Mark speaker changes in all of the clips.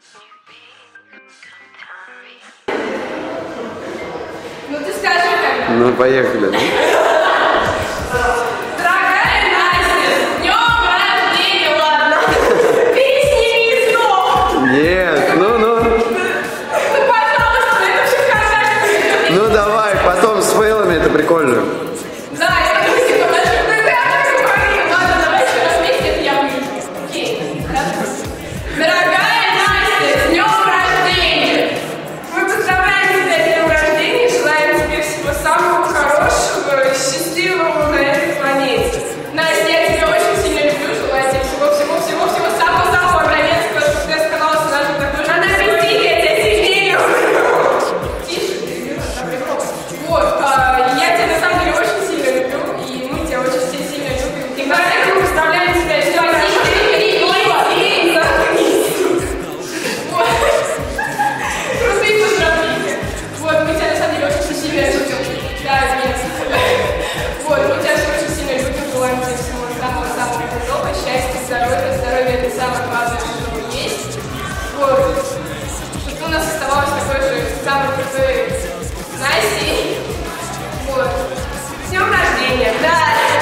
Speaker 1: Ну ты скажи как.
Speaker 2: Ну поехали.
Speaker 1: Дорогая Настя, с днем рождения, ладно. Пересними снова.
Speaker 2: Нет, ну.
Speaker 1: Ну пожалуйста, это все сказать.
Speaker 2: Ну давай, потом с фейлами это прикольно.
Speaker 1: Да, я думаю, типа, ладно, давай еще раз вместе, это я выйду. Окей, хорошо. Дорогая Настя, с днем рождения! Мы поздравляем тебя с днем рождения, желаем тебе всего самого хорошего, счастливого на этой планете. Настя, я тебя очень сильно люблю, желаю тебе всего самого-самого равенства, чтобы ты оставалась даже такой же. Надо пойти, я тебя сильнее люблю. Тише, ты вот, я тебя на самом деле очень сильно люблю, и мы тебя очень сильно любим. И поэтому поздравляем тебя с днем рождения. Вот. Крутые поздравления. Вот, мы тебя на самом деле очень сильно любим. Да, нет. Вот, мы тебя очень сильно любим, желаем тебе всего самого-самого крутого, счастья, здоровья. Здоровье — это самое главное, что есть. Вот. Чтобы ты у нас оставалась такой же самой крутой Настей. Вот. С днем рождения. Да.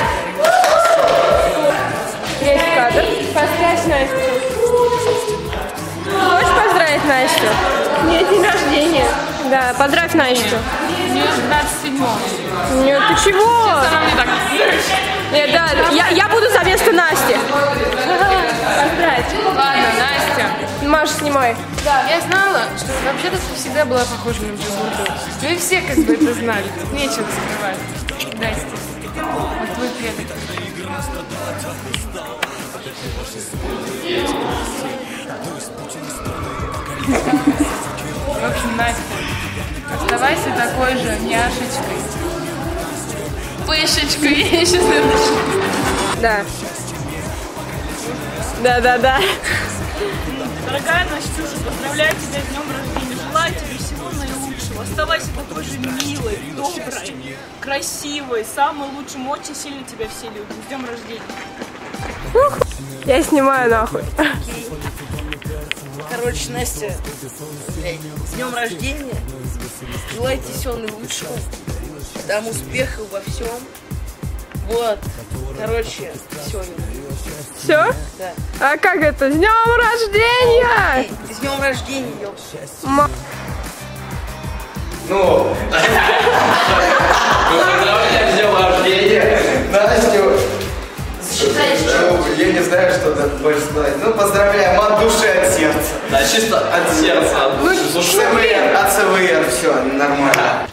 Speaker 3: Есть кадр. Поздравь Настю. Хочешь поздравить Настю? Нет, день рождения. Да, поздравь Настю.
Speaker 4: У нее 27-го.
Speaker 3: Нет, ты чего?
Speaker 4: Она мне так...
Speaker 3: Нет, да, я буду за место Насти. Поздравь.
Speaker 4: Ладно, Настя.
Speaker 3: Маша, снимай.
Speaker 4: Да. Я знала, что вообще-то ты всегда была похожа на Джигурду. Ну и все как бы это знали. Тут нечего скрывать. Настя. Вот твой предок. В общем, Настя, оставайся такой же няшечкой. Пышечкой. Я сейчас напишу.
Speaker 3: Да. Да.
Speaker 5: Дорогая Настюша, поздравляю тебя с днем рождения. Желаю тебе всего наилучшего. Оставайся такой же милой, доброй, красивой, самой лучшей. Мы очень сильно тебя все любим. С днем рождения.
Speaker 3: Я снимаю нахуй.
Speaker 6: Короче, Настя, с днем рождения. Желаю тебе всего наилучшего. Там успехов во всем. Вот. Короче, все.
Speaker 3: Все?
Speaker 6: Да.
Speaker 3: А как это? С днем рождения!
Speaker 6: С днем рождения, ёпта.
Speaker 2: Ну, поздравляю с днем рождения, Настю. Я не знаю, что тут больше сказать. Ну, поздравляем от души, от сердца.
Speaker 7: Да, чисто от сердца.
Speaker 2: От СВР, все, нормально.